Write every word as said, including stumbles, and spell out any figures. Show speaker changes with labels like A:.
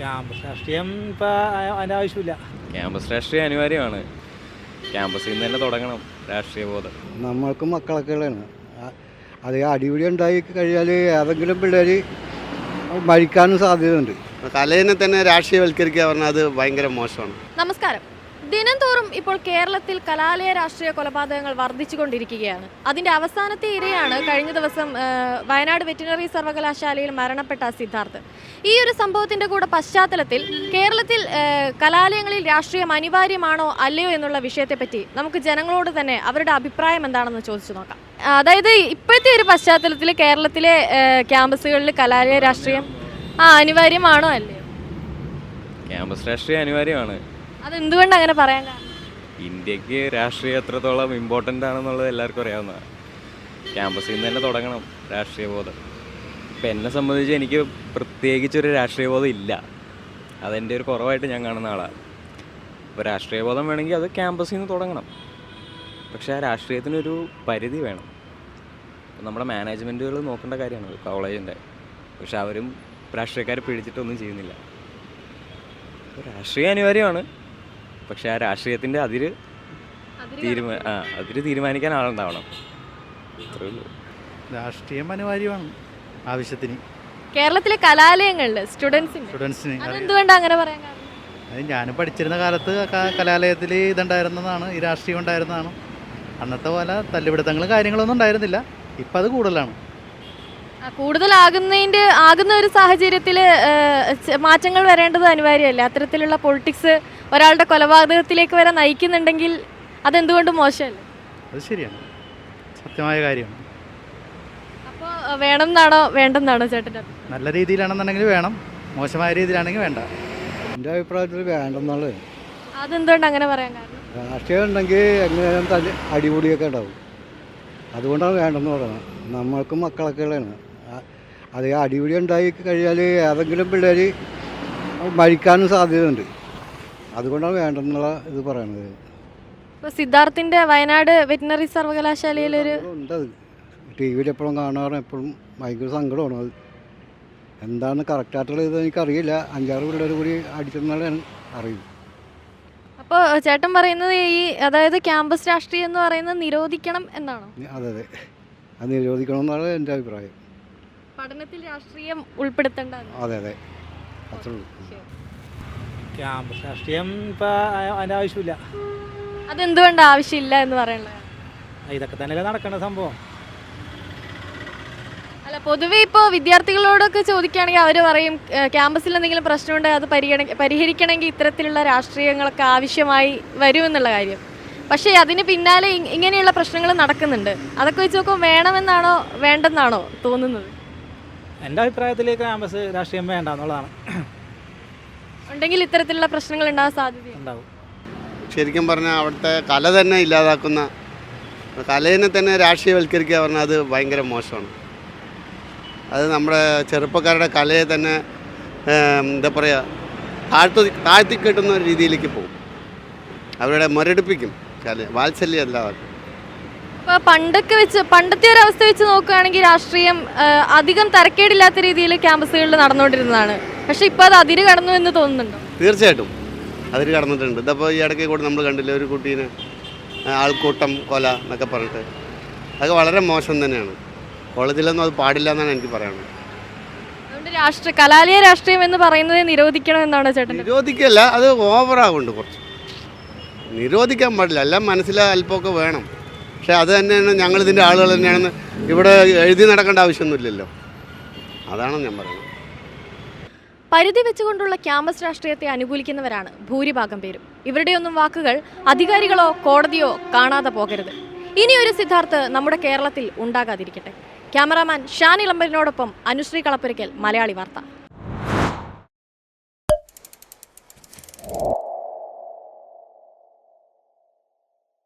A: Campus രാഷ്ട്രീയം ഇപ്പോൾ അതിൻ്റെ ആവശ്യമില്ല.
B: ക്യാമ്പസ് രാഷ്ട്രീയം അനിവാര്യമാണ്. ക്യാമ്പസിൽ നിന്ന് തന്നെ തുടങ്ങണം രാഷ്ട്രീയ ബോധം.
C: നമ്മൾക്ക് മക്കളൊക്കെയാണ് അത് അടിപിടി ഉണ്ടായി കഴിഞ്ഞാൽ ഏതെങ്കിലും പിള്ളേർ മരിക്കാനും സാധ്യതയുണ്ട്.
D: കലേനെ തന്നെ രാഷ്ട്രീയവൽക്കരിക്കുക പറഞ്ഞാൽ അത് ഭയങ്കര മോശമാണ്.
E: നമസ്കാരം. ദിനം തോറും ഇപ്പോൾ കേരളത്തിൽ കലാലയ രാഷ്ട്രീയ കൊലപാതകങ്ങൾ വർദ്ധിച്ചുകൊണ്ടിരിക്കുകയാണ്. അതിന്റെ അവസാനത്തെ ഇരയാണ് കഴിഞ്ഞ ദിവസം വയനാട് വെറ്റിനറി സർവകലാശാലയിൽ മരണപ്പെട്ട സിദ്ധാർത്ഥ്. ഈ ഒരു സംഭവത്തിന്റെ കൂടെ പശ്ചാത്തലത്തിൽ കേരളത്തിൽ കലാലയങ്ങളിൽ രാഷ്ട്രീയം അനിവാര്യമാണോ അല്ലയോ എന്നുള്ള വിഷയത്തെപ്പറ്റി നമുക്ക് ജനങ്ങളോട് തന്നെ അവരുടെ അഭിപ്രായം എന്താണെന്ന് ചോദിച്ചു നോക്കാം. അതായത് ഇപ്പോഴത്തെ ഒരു പശ്ചാത്തലത്തിൽ കേരളത്തിലെ ക്യാമ്പസുകളിൽ കലാലയ രാഷ്ട്രീയം ആ അനിവാര്യമാണോ അല്ലയോ?
B: ക്യാമ്പസ് രാഷ്ട്രീയം അനിവാര്യമാണ്.
E: അതെന്തുകൊണ്ട് അങ്ങനെ പറയാൻ കാരണം?
B: ഇന്ത്യക്ക് രാഷ്ട്രീയം എത്രത്തോളം ഇമ്പോർട്ടൻ്റ് ആണെന്നുള്ളത് എല്ലാവർക്കും അറിയാവുന്നതാണ്. ക്യാമ്പസിൽ നിന്ന് തന്നെ തുടങ്ങണം രാഷ്ട്രീയ ബോധം. ഇപ്പം എന്നെ സംബന്ധിച്ച് എനിക്ക് പ്രത്യേകിച്ചൊരു രാഷ്ട്രീയ ബോധം ഇല്ല. അതെൻ്റെ ഒരു കുറവായിട്ട് ഞാൻ കാണുന്ന ആളാണ്. അപ്പോൾ രാഷ്ട്രീയ ബോധം വേണമെങ്കിൽ അത് ക്യാമ്പസിൽ നിന്ന് തുടങ്ങണം. പക്ഷേ ആ രാഷ്ട്രീയത്തിനൊരു പരിധി വേണം. നമ്മുടെ മാനേജ്മെൻറ്റുകൾ നോക്കേണ്ട കാര്യമാണ് കോളേജിൻ്റെ. പക്ഷെ അവരും രാഷ്ട്രീയക്കാരെ പിടിച്ചിട്ടൊന്നും ചെയ്യുന്നില്ല. അപ്പോൾ രാഷ്ട്രീയം അനിവാര്യമാണ്. പക്ഷെ ആ രാഷ്ട്രീയത്തിൻ്റെ അതിര് തീരുമാ ആ അതിര് തീരുമാനിക്കാൻ ആളുണ്ടാവണം. അത്രേ ഉള്ളൂ.
F: രാഷ്ട്രീയം അനിവാര്യമാണ് ആവശ്യത്തിന്.
E: കേരളത്തിലെ കലാലയങ്ങളിൽ സ്റ്റുഡൻസിന്
F: സ്റ്റുഡൻസിന്
E: അതെന്തുകൊണ്ടാണ് അങ്ങനെ പറയാൻ കാരണം?
F: അത് ഞാൻ പഠിച്ചിരുന്ന കാലത്ത് കലാലയത്തിൽ ഇതുണ്ടായിരുന്നതാണ്, ഈ രാഷ്ട്രീയം ഉണ്ടായിരുന്നതാണ്. അന്നത്തെ പോലെ തല്ലുപിടുത്തങ്ങളും കാര്യങ്ങളൊന്നും ഉണ്ടായിരുന്നില്ല. ഇപ്പം അത് കൂടുതലാണ്.
E: കൂടുതലാകുന്നതിൻ്റെ ആകുന്ന ഒരു സാഹചര്യത്തിൽ മാറ്റങ്ങൾ വരേണ്ടത് അനിവാര്യമല്ലേ? അത്തരത്തിലുള്ള പൊളിറ്റിക്സ് ഒരാളുടെ കൊലപാതകത്തിലേക്ക് വരെ നയിക്കുന്നുണ്ടെങ്കിൽ അതെന്തുകൊണ്ട് മോശമല്ലേ?
F: അത് ശരിയാണ്, സത്യമായ കാര്യമാണ്.
E: അപ്പോൾ വേണം എന്നാണോ വേണ്ടെന്നാണോ ചേട്ടൻ്റെ?
F: നല്ല രീതിയിലാണെന്നുണ്ടെങ്കിൽ വേണം, മോശമായ രീതിയിലാണെങ്കിൽ വേണ്ട.
C: എൻ്റെ അഭിപ്രായത്തിൽ വേണ്ടെന്നുള്ളത്.
E: അതെന്തുകൊണ്ട് അങ്ങനെ പറയാൻ കാരണം?
C: രാഷ്ട്രീയം ഉണ്ടെങ്കിൽ എങ്ങനെയാലും തല്ലി അടിപൊളിയൊക്കെ ഉണ്ടാവും. അതുകൊണ്ടാണ് വേണ്ടെന്ന് പറയുന്നത്. നമ്മൾക്ക് മക്കളൊക്കെയാണ് അത് അടിപിടി ഉണ്ടായി കഴിഞ്ഞാൽ ഏതെങ്കിലും പിള്ളേർ മരിക്കാനും സാധ്യതയുണ്ട്. അതുകൊണ്ടാണ് വേണ്ടെന്നുള്ള ഇത് പറയണത്.
E: ഇപ്പോൾ സിദ്ധാർത്ഥിൻ്റെ വയനാട് വെറ്റിനറി സർവകലാശാലയിലൊരു
C: ഉണ്ടത് ടി വിയിൽ എപ്പോഴും കാണാറ്, എപ്പോഴും ഭയങ്കര സങ്കടമാണ്. അത് എന്താണ് കറക്റ്റായിട്ടുള്ള ഇത് എനിക്കറിയില്ല. അഞ്ചാറ് പിള്ളേർ കൂടി അടിച്ചെന്നാണ് അറിയും.
E: അപ്പോൾ ചേട്ടൻ പറയുന്നത് ഈ അതായത് ക്യാമ്പസ് രാഷ്ട്രീയം എന്ന് പറയുന്നത് നിരോധിക്കണം എന്നാണോ?
C: അതെ അതെ, അത് നിരോധിക്കണം എന്നാണ് എൻ്റെ അഭിപ്രായം.
E: പഠനത്തിൽ രാഷ്ട്രീയം ഉൾപ്പെടുത്തേണ്ട.
C: അതെ അതെ, അത്രേ ഉള്ളൂ.
A: ക്യാമ്പസ് രാഷ്ട്രീയം ഇപ്പോൾ അതിൻ്റെ ആവശ്യമില്ല.
E: അതെന്തുകൊണ്ട് ആവശ്യമില്ല എന്ന് പറയുന്നത്?
A: ഇതൊക്കെ തന്നെയല്ലേ നടക്കേണ്ട സംഭവം.
E: അല്ല, പൊതുവെ ഇപ്പോൾ വിദ്യാർത്ഥികളോടൊക്കെ ചോദിക്കുകയാണെങ്കിൽ അവർ പറയും ക്യാമ്പസിൽ എന്തെങ്കിലും പ്രശ്നമുണ്ടെങ്കിൽ അത് പരിഗണ പരിഹരിക്കണമെങ്കിൽ ഇത്തരത്തിലുള്ള രാഷ്ട്രീയങ്ങളൊക്കെ ആവശ്യമായി വരുമെന്നുള്ള കാര്യം. പക്ഷേ അതിന് പിന്നാലെ ഇങ്ങനെയുള്ള പ്രശ്നങ്ങൾ നടക്കുന്നുണ്ട്. അതൊക്കെ വെച്ച് നോക്കുമ്പോൾ വേണമെന്നാണോ വേണ്ടെന്നാണോ തോന്നുന്നത്?
A: എൻ്റെ അഭിപ്രായത്തിൽ ക്യാമ്പസ് രാഷ്ട്രീയം വേണ്ട എന്നുള്ളതാണ്.
E: ഉണ്ടെങ്കിൽ ഇത്തരത്തിലുള്ള പ്രശ്നങ്ങൾ ഉണ്ടാകാൻ സാധ്യത
A: ഉണ്ടാവും.
D: ശരിക്കും പറഞ്ഞാൽ അവിടുത്തെ കല തന്നെ ഇല്ലാതാക്കുന്ന, കലേനെ തന്നെ രാഷ്ട്രീയവൽക്കരിക്കുക പറഞ്ഞാൽ അത് ഭയങ്കര മോശമാണ്. അത് നമ്മുടെ ചെറുപ്പക്കാരുടെ കലയെ തന്നെ എന്താ പറയുക താഴ്ത്തി താഴ്ത്തി കെട്ടുന്ന ഒരു രീതിയിലേക്ക് പോകും. അവരുടെ മുരടിപ്പിക്കും, കല വാത്സല്യം അല്ലാതാക്കും.
E: ഇപ്പോൾ പണ്ടൊക്കെ വെച്ച് പണ്ടത്തെ ഒരു അവസ്ഥ വെച്ച് നോക്കുകയാണെങ്കിൽ രാഷ്ട്രീയം അധികം തരക്കേടില്ലാത്ത രീതിയിൽ ക്യാമ്പസുകളിൽ നടന്നുകൊണ്ടിരുന്നതാണ്. പക്ഷേ ഇപ്പോൾ അത് അതിര് കടന്നു എന്ന് തോന്നുന്നുണ്ടോ?
D: തീർച്ചയായിട്ടും അതിര് കടന്നിട്ടുണ്ട്. ഇതപ്പോൾ ഈ ഇടയ്ക്ക് കൂടെ നമ്മൾ കണ്ടില്ലേ ഒരു കുട്ടീനെ ആൾക്കൂട്ടം കൊല എന്നൊക്കെ പറഞ്ഞിട്ട്. അതൊക്കെ വളരെ മോശം തന്നെയാണ്. കോളേജിലൊന്നും അത് പാടില്ല എന്നാണ് എനിക്ക് പറയാനുള്ളത്.
E: അതുകൊണ്ട് രാഷ്ട്രീയ കലാലയ രാഷ്ട്രീയം എന്ന് പറയുന്നത് നിരോധിക്കണം എന്നാണോ ചേട്ടൻ?
D: നിരോധിക്കല്ല, അത് ഓവറാകുന്നുണ്ട് കുറച്ച്. നിരോധിക്കാൻ പാടില്ല, എല്ലാം മനസ്സിൽ അല്പമൊക്കെ വേണം. പക്ഷേ അത് തന്നെയാണ് ഞങ്ങളിതിൻ്റെ ആളുകൾ തന്നെയാണെന്ന് ഇവിടെ എഴുതി നടക്കേണ്ട ആവശ്യമൊന്നുമില്ലല്ലോ. അതാണ് ഞാൻ പറയുന്നത്.
E: പരിധി വെച്ചുകൊണ്ടുള്ള ക്യാമ്പസ് രാഷ്ട്രീയത്തെ അനുകൂലിക്കുന്നവരാണ് ഭൂരിഭാഗം പേരും. ഇവരുടെയൊന്നും വാക്കുകൾ അധികാരികളോ കോടതിയോ കാണാതെ പോകരുത്. ഇനിയൊരു സിദ്ധാർത്ഥ് നമ്മുടെ കേരളത്തിൽ ഉണ്ടാകാതിരിക്കട്ടെ. ക്യാമറാമാൻ ഷാൻ ഇളമ്പലിനോടൊപ്പം അനുശ്രീ കളപ്പുരയ്ക്കൽ, മലയാളി വാർത്ത.